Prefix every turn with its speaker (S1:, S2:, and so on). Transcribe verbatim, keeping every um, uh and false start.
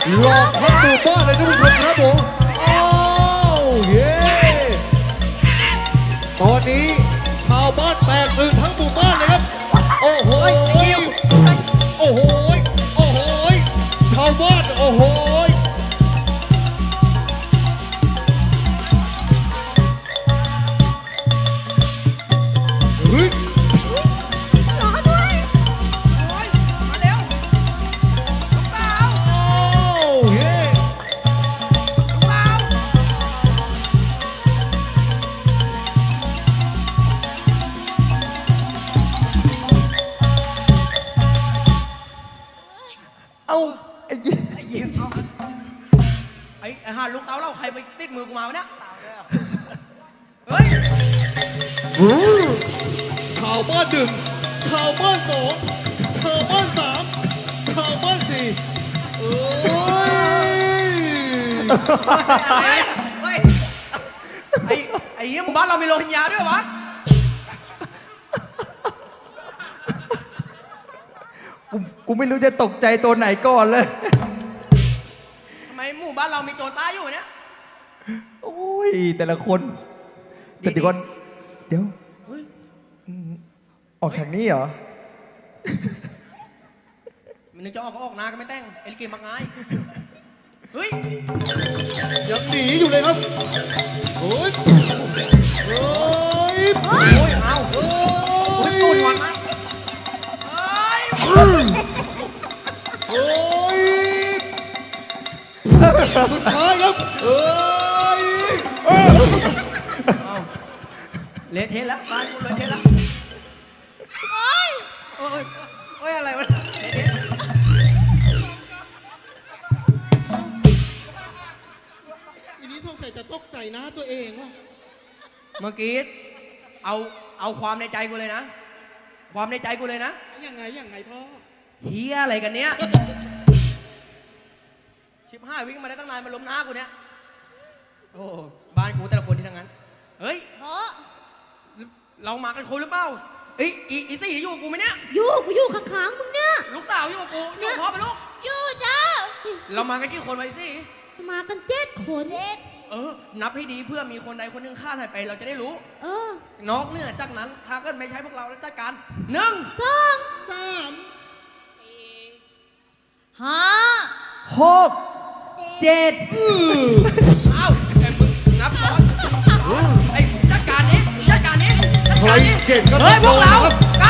S1: หลอกทั้งหมู่บ้านเลยท่านผู้ชมครับผมอ้าวเย้ตอนนี้ชาวบ้านแตกตื่นทั้งหมู่บ้านเลยครับโอ้โหโอ้โหโอ้โหชาวบ้านโอ้โหเฮ้ย
S2: รอด้วย
S3: โอ้ยมาเร็วลูกสาว
S1: อ้าวเย้
S3: ลูกสาว
S4: เอาไอ้ยี่
S3: ไอ้ยิ้มเอาไอ้ไอ้ห่าลูกเต๋าเราใครไปติดมือกูมาวะเนี่ยเฮ้ย
S1: อู้ชาวบ้านหนึ่งชาวบ้านสองชาวบ้านสามชาวบ้านสี่เอ้ย
S3: อะไรเฮ้ยไอ้ไอ้เหี้ยหมู่บ้านเรามีโรฮิงญาด้วยวะ
S4: กูกูไม่รู้จะตกใจตัวไหนก่อนเลย
S3: ทำไมหมู่บ้านเรามีโจรใต้อยู่เนี่ย
S4: โอ้ยแต่ละคนแต่เดี๋ยวก่อนเดี๋ยว
S3: เฮ้ย
S4: ออกทางนี้เหรอ
S3: มันนึกจะออกก็ออกนาก็ไม่แต่งเอลิเกมักง่ายเฮ้ย
S1: ยังหนีอยู่เลยครับโอ้ยโอ้ย
S3: โอ้ยเอา
S1: โอ้
S3: โอ้ย
S1: ย
S3: ตูนวางนะเฮ้ย
S1: โอ้ยสุดท้ายครับเอ้ย
S3: เอาเละเทะแล้วบ้านกูเละเทะแล้ว
S2: โอ๊ย
S3: โอ้ยโอ้ยอะไรวะเละเทะ
S1: ทีนี้สงสัยจะตกใจนะตัวเองว่ะ
S3: เมื่อกี้เอาเอาความในใจกูเลยนะ ความในใจกูเลยนะ
S1: ยังไงยังไงพ่อ
S3: เฮียอะไรกันเนี้ยชิบห้าวิ่งมาได้ตั้งนานมาล้มหน้ากูเนี้ยโอ้บ้านกูแต่ละคนที่ทั้งนั้นเฮ้ย
S2: เพราะ
S3: เรามากันคนหรือเปล่าเอ้ยอีอีสี่อยู่กับกูไหมเนี่ย
S2: อยู่กูอยู่ข้างๆมึงเนี่ย
S3: ลูกสาวอยู่กับกูอยู่กับพ่อไปลูก
S2: อยู่จ้า
S3: เรามากันกี่คนไว้สิ
S2: มากันเจ็ดคนเจ็ด
S3: เออ นับให้ดีเพื่อมีคนใดคนหนึ่งฆ่าหายไปเราจะได้รู้
S2: เออน
S3: อกเหนือจากนั้นถ้าเกิดไม่ใช่พวกเราแล้วจัดการหนึ่ง
S2: สอง
S1: สาม
S2: ห้า
S4: หกเจ็ด
S3: เอ้าไอ้มึงนับก่อนไอ้จัดการนี้จัดการนี้จัด
S1: ใคร
S3: การนี้
S1: เจ็ดก็
S3: เฮ้ยพวกเรา
S1: ครับ
S3: เก้า